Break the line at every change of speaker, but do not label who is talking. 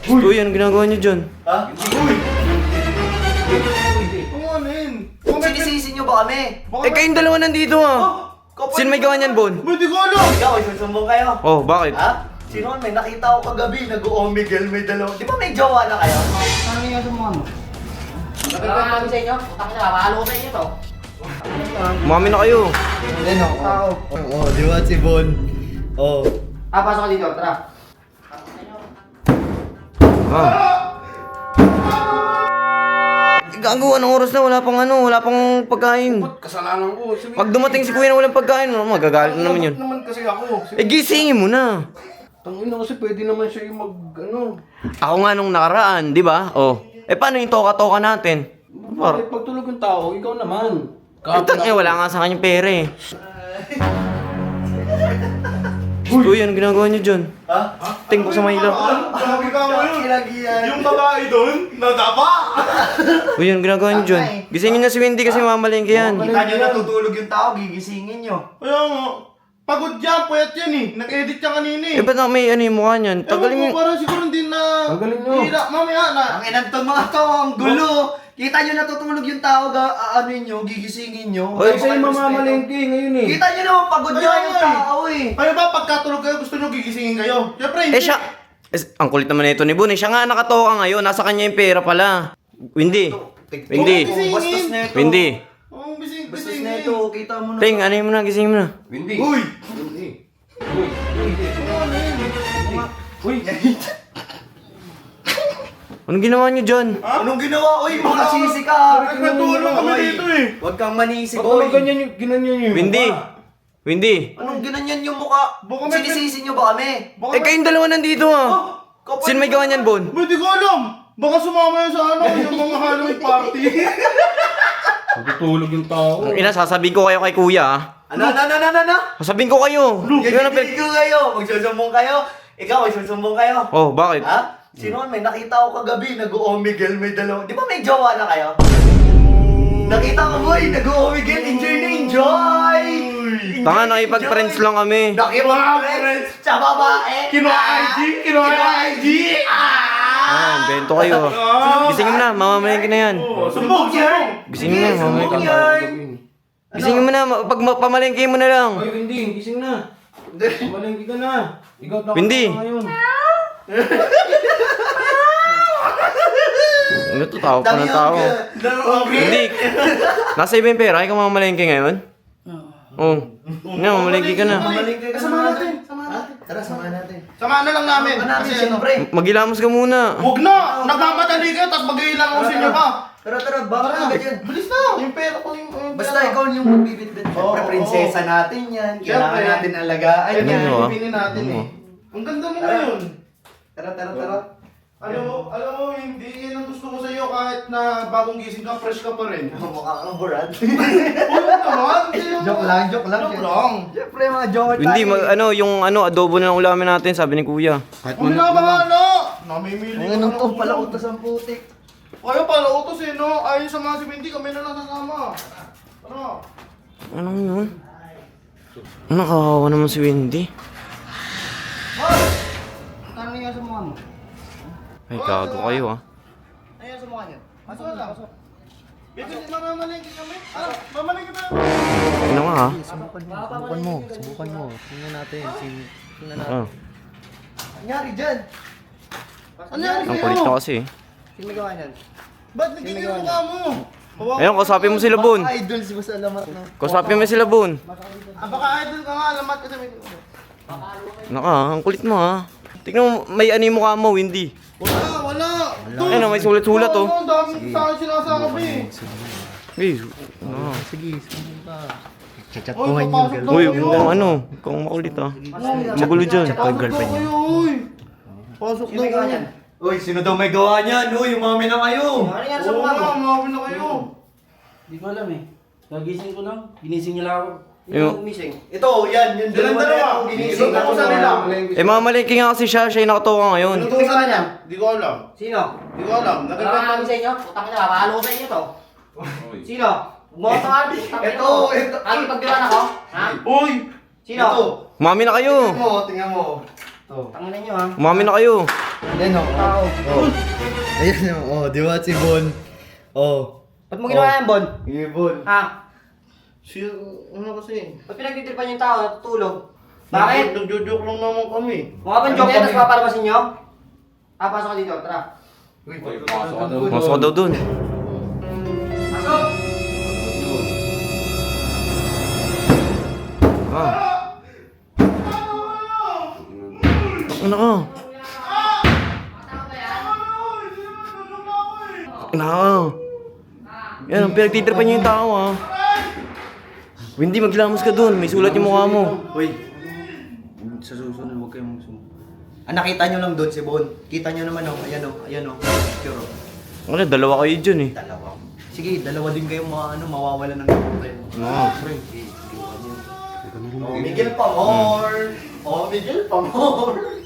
Uy, ano ginagawa niyo dyan?
Ha? Uy! Ano yun?
Sinisisi nyo ba kami?
Eh, kayong dalawa nandito ah. Sino may gawa niyan, Bon?
Ba't di ko alam?
Ikaw, isusumbong kayo.
Oh, bakit?
Ha? Sino man? May nakita ko kagabi, nag-o-omegle, may dalawa. Di ba may jowa na kayo?
Ano nga sa mga mo?
Nakakami sa inyo? Utang nyo, makakalo ko sa inyo to.
Umami na kayo.
Ayun ako. Oo, di ba si Bon? Oo.
Pasok ka dito, tara.
Ah. Gago, anong oras na? Wala pang pagkain.
Kasalanan ko.
Pag dumating si kuya na walang pagkain, magagalit na naman yun.
naman kasi ako.
Eh, gisingin mo na.
Tangin na kasi pwede naman siya yung
Ako nga nung nakaraan, di ba? Oh. Eh, paano yung toka-toka natin?
Bakit pagtulog yung tao, ikaw naman.
Wala nga sa kanyang pera eh. Uy, ano ginagawa niyo dyan?
Ha?
Ting po sa Maila.
Grabe ka ngayon.
Kinagyan.
Yung babae doon, nadapa.
Uy, ano ginagawa niyo dyan? Gisingin na si Wendy kasi mamalengke yan.
Kita nyo natutulog yung tao, gigisingin nyo.
Kaya nga, pagod yan, puyat yan eh. Nag-edit yan kanina eh.
Eh, ba't na may ano yung mukha niyan? Tagalin
Ewan
mo.
ko, parang siguro hindi na... Tagalin nyo. Hindi na, mamaya na.
Ang inantong mga to, ang gulo. Kita nyo natutulog yung tao, ano nyo, gigisingin nyo.
Oy,
Kasi yung mamamalengke ngayon eh.
Kita nyo naman, pagod nyo
Kaya
yung
nga eh.
tao eh.
Kayo ba, pagkatulog kayo, gusto nyo gigisingin kayo? Siyempre, hindi.
Eh, siya... ang kulit naman ito ni Bon eh. Siya nga nakatoka ngayon. Nasa kanya yung pera pala. Wendy. Wendy.
Bastos na ito.
Wendy.
Oh, bising,
Bastos
bising
na
eh.
ito, kita mo na.
Ting, ano mo na? Gisingin mo na.
Windy. Uy! Uy!
Anong ginawa niyo dyan?
Anong ginawa? Uy, makasisi ka.
Nagkatulog kami
Oy,
dito eh.
Huwag kang manisi,
Ba't
boy.
naman ganyan yung ginanyan yung
Wendy. Wendy.
Anong ginanyan yung mukha?
Baka may-
Sinisisi nyo ba kami?
Eh, kayong dalawa nandito ah. Sino may gawa niyan, Bon?
Ba't di ko alam? Baka sumama yan sa ano, yung mga Halloween party. Natutulog yung tao.
Ang ina, sasabihin ko kayo kay kuya ah.
Ano?
Sasabihin ko kayo. Yun ang
Gagigil ko kayo. Magsusumbong kayo. Ikaw, magsusumbong kayo.
Oh, bakit?
Ha? Sino man? May nakita ko kagabi, nag-o-omegle, may dalawa. Di ba may jowa na kayo? Nakita ko, boy, nag-o-omegle. Enjoy na enjoy!
Tanga, nakipag-friends lang kami.
Nakipag-friends sa babae.
Kinuha IG! Kinuha IG!
Ah, bento kayo. Gisingin mo na, mamamalengke na yan.
Sumbong! Sumbong!
Gisingin mo na, mamamalengke na. Gisingin mo na, pag pamalengke mo na lang.
Ay, Windy, gising na. Malengke ka na. Ikaw na
Windy.
ngayon.
Ano to, tao pa ng tao. Hindi. Nasa iba yung pera, ikaw mamamalengke ngayon? Oo. Nga, mamalengke ka na.
Mamalingke ka
Sama natin.
Tara, samahan natin.
Samahan na lang namin.
Samahan natin,
Kasi ano,
siyempre.
Magilamos ka muna.
Huwag na! Nagmamadali kayo, tapos mag-iilang ako sa inyo pa.
Tara, baka na agad yan.
Bilis na! Yung pera ko yung...
Basta ikaw yung magbibitbit. Siyempre,
Oo,
prinsesa natin yan. Kailangan
Siyempre.
natin alagaan
Ano
yan.
mo, ah?
Pipinin natin eh. Ang ganda mo
Tara.
ngayon.
Tara.
Alam mo, hindi yan ang gusto ko sa'yo kahit na bagong gising ka, fresh ka pa rin.
Mukha kang burad.
Huwag naman!
Joke lang.
Joke lang.
Siyempre, mga joke
Hindi, yung adobo na lang ulamin natin, sabi ni kuya.
Kung minabahala! Namimili ko
Ang
ng
to pala utos ang putik.
Kaya pala utos eh, no? Ayon sa mga si Windy, kami na lang sasama. Ano?
Ano yun? Ano, kawawa naman si Wendy.
Ano nga sa mga mo?
Ay, gago kayo ah.
Ano nga sa mga niyan?
Pasok na. Kasi mamamalengke kami. Ano? Mamalengke tayo.
Ano nga ah?
Subukan mo. Tingnan natin.
Ah,
Nangyari dyan.
ang kulit na kasi.
Sino may gawa niyan?
Ba't nagiging yung mukha mo?
Ayun, kausapin mo sila, Bon.
Idol si Boss Alamat na.
Kausapin mo sila, Bon.
Baka idol ka nga, alamat ka sa may...
Naka, ang kulit mo ah. Tignan mo, may ano yung mukha mo, Wendy.
Wala!
Ayun, may sulat-sulat oh.
Ang dami sa akin sinasakap eh.
Hey, ano?
Chat
Uy, papasok daw
Uy,
kayo.
kung ano, kung makulit ah. Magulo dyan.
Pasok daw kayo, uy. Pasok daw kayo.
Uy, sino daw may gawa niyan? Uy, umami na kayo.
Ano nga sa
Oo
mga mo?
nga, umami na kayo.
Hindi ko alam eh. Nagising ko lang. Ginising nila ako.
Yung-
Umising.
Ito, yan. Yung
Silang dalawa.
Ginising
Inutusan
ako sa
nila.
Eh, mamalengke nga kasi siya yung nakatoka ngayon.
Inutusan niya. Di ko alam.
Sino?
Di ko alam.
Nakakami sa inyo? Utang nyo, makakalo ko sa inyo to. Sino? Bumoto ka, utang
Ito.
Lagi pagdiwan ako? Ha?
Uy!
Sino?
Ito.
Umami na kayo.
Tingnan mo. Ito.
Tangin ninyo ha.
Umami na kayo.
Ayan o. Oh. Ayan o. Oh, di ba si Bon? Oh.
Ba't mo ginawa yan, Bon?
Ibon.
Ha?
Si, ano kasi?
Ba't pinagtitripan yung tao, natutulog? Bakit?
Nagjo-joke lang naman kami.
Mukha bang joke yan, tapos papalabasin nyo? Ah, pasok ka dito, tara.
Pasok ka daw dun.
Pasok!
Ah. Ano ka? Ano ka? Yan, ang pinagtitripan niyo yung tao ah. Hindi, maglamos ka dun. May sulat yung mukha mo.
Uy. Sa susunod, huwag kayong magsumo. Ah, nakita nyo lang doon si Bon. Kita nyo naman oh. Ayan oh. Ayan oh. Picture oh.
Ano, dalawa kayo dyan eh.
Dalawa. Sige, dalawa din kayong mawawala ng kapatid.
Oo.
Oh, Miguel pa more. Oh, Miguel pa more.